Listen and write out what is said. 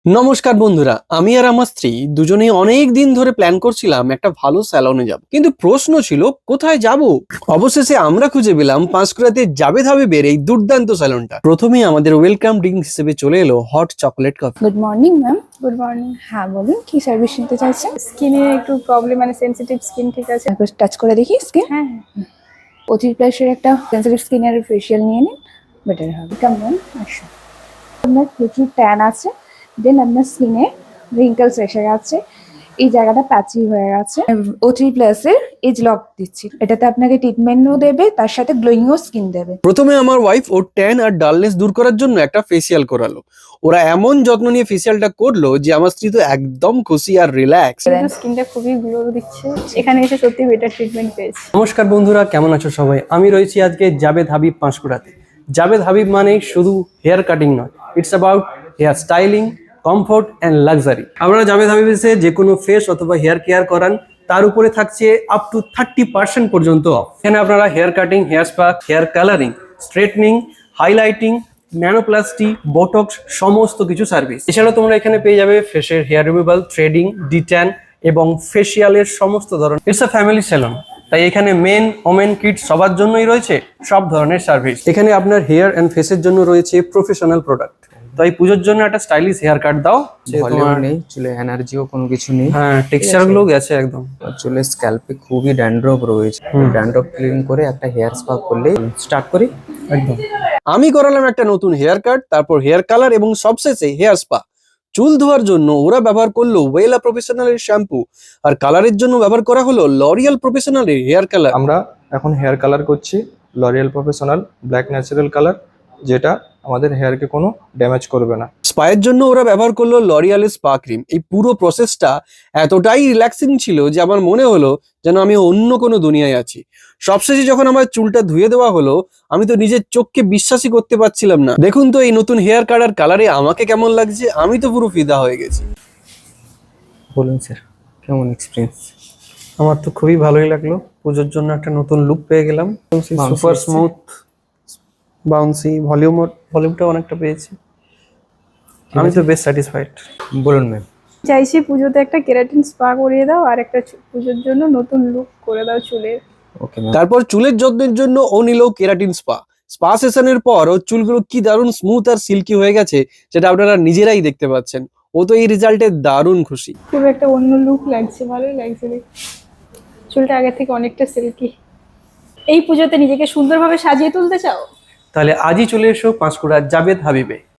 নমস্কার বন্ধুরা, আমি আর আমার স্ত্রী দুজনেই অনেক দিন ধরে প্ল্যান করছিলাম একটা ভালো স্যালনে যাব, কিন্তু প্রশ্ন ছিল কোথায় যাব। অবশেষে আমরা খুঁজে পেলাম পাঁশকুড়াতে জাবেদ হাবিবের এই দুর্দান্ত স্যালনটা। প্রথমেই আমাদের ওয়েলকাম ড্রিঙ্ক হিসেবে চলে এলো hot chocolate coffee. Good morning ma'am. Good morning. হ্যাঁ বলুন, কি সার্ভিস নিতে চাইছেন? স্কিনে একটু প্রবলেম, মানে সেনসিটিভ স্কিন, ঠিক আছে? একবার টাচ করে দেখি স্কিন। হ্যাঁ। অথির প্লাসের একটা সেন্সিটিভ স্কিনের ফেশিয়াল নিয়ে নিন, বেটার হবে। কেমন আসুন, আপনার প্রচুর ট্যান আছে, দেন আপনার স্কিনে রিঙ্কেলস এসে গেছে, এই জায়গাটা প্যাচি হয়ে গেছে। O3 প্লাসের এজ লক দিচ্ছি, এটাতে আপনাকে ট্রিটমেন্টও দেবে, তার সাথে গ্লোয়িংও স্কিন দেবে। প্রথমে আমার ওয়াইফ ওর ট্যান আর ডালনেস দূর করার জন্য একটা ফেসিয়াল করালো। ওরা এমন যত্ন নিয়ে ফেসিয়ালটা করলো যে আমার স্ত্রী তো একদম খুশি আর রিল্যাক্স। স্কিনটা খুবই গ্লো দিচ্ছে, এখানে এসে সত্যি বেটার ট্রিটমেন্ট পেয়েছি। নমস্কার বন্ধুরা, কেমন আছো সবাই? আমি রয়েছি আজকে জাবেদ হাবিব পাঁশকুড়াতে। জাবেদ হাবিব মানে শুধু হেয়ার কাটিং নয়, it's about hair styling, comfort and luxury. আপনারা জাবেদ হাবিব এসে যে কোনো ফেস অথবা হেয়ার কেয়ার করান, তার উপরে থাকছে আপ টু 30% পর্যন্ত অফ। এখানে আপনারা hair cutting, hair spa, hair colouring, straightening, highlighting, nanoplasty, botox সমস্ত কিছু সার্ভিস। এছাড়াও তোমরা এখানে পেয়ে যাবে ফেসের হেয়ার রিমুভাল, থ্রেডিং, ডিট্যান এবং ফেসিয়ালের সমস্ত ধরনের। ইটস আ ফ্যামিলি স্যালন, তাই এখানে মেন, ওমেন, কিডস সবার জন্যই রয়েছে সব ধরনের সার্ভিস। এখানে আপনার হেয়ার এন্ড ফেসের জন্য রয়েছে প্রফেশনাল প্রোডাক্ট। তাই পুজোর জন্য একটা স্টাইলিশ হেয়ার কাট দাও। ভলিউম নেই, চুলে এনার্জিও কোনো কিছু নেই। হ্যাঁ, টেক্সচার গুলো গেছে একদম। আর চুলের স্ক্যাল্পে খুবই ড্যান্ড্রফ রয়েছে, ড্যান্ড্রফ ক্লিন করে একটা হেয়ার স্পা করলে স্টার্ট করি। একদম আমি করালাম একটা নতুন হেয়ার কাট, তারপর হেয়ার কালার এবং সবশেষে হেয়ার স্পা। চুল ধোয়ার জন্য ওরা ব্যবহার করলো ওয়েলা প্রফেশনালের শ্যাম্পু, আর কালারের জন্য ব্যবহার করা হলো লরিয়াল প্রফেশনালের হেয়ার কালার। আমরা এখন হেয়ার কালার করছি L'Oreal professional black natural colour, যেটা আমাদের হেয়ারকে কোনো ড্যামেজ করবে না। স্পায়ের জন্য ওরা ব্যবহার করলো লরিয়ালের স্পা ক্রিম। এই পুরো প্রসেসটা এতটাই রিল্যাক্সিং ছিল যে আমার মনে হলো যেন আমি অন্য কোনো দুনিয়ায় আছি। সবশেষে যখন আমার চুলটা ধুয়ে দেওয়া হলো, আমি তো নিজের চোখকে বিশ্বাসই করতে পারছিলাম না। দেখুন তো এই নতুন হেয়ার কাট আর কালারে আমাকে কেমন লাগছে, আমি তো পুরো ফিদা হয়ে গেছি। বলুন স্যার, কেমন এক্সপিরিয়েন্স? আমার তো খুবই ভালোই লাগলো। পুজোর জন্য একটা নতুন লুক পেয়ে গেলাম। সুপার স্মুথ, বাউন্সি, ভলিউমটা অনেকটা পেয়েছি। আমি তো বেশ স্যাটিসফাইড। বলুন ম্যাম। চাইছি পুজোতে একটা কেরাটিন স্পা করিয়ে দাও, আর একটা পুজোর জন্য নতুন লুক করে দাও চুলের। Okay ma'am. তারপর চুলের যত্নের জন্য ও নিল কেরাটিন স্পা। স্পা সেশনের পর ওর চুলগুলো কি দারুণ স্মুথ আর সিল্কি হয়ে গেছে, সেটা আপনারা নিজেরাই দেখতে পাচ্ছেন। ও তো এই রেজাল্টে দারুণ খুশি। খুব একটা অন্য লুক লাগছে, ভালোই লাগছে দেখতে। চুলটা আগে থেকে অনেকটা সিল্কি। এই পুজোতে নিজেকে সুন্দরভাবে সাজিয়ে তুলতে চাও? তাহলে আজই চলে এসো পাঁশকুড়া জাবেদ হাবিবে।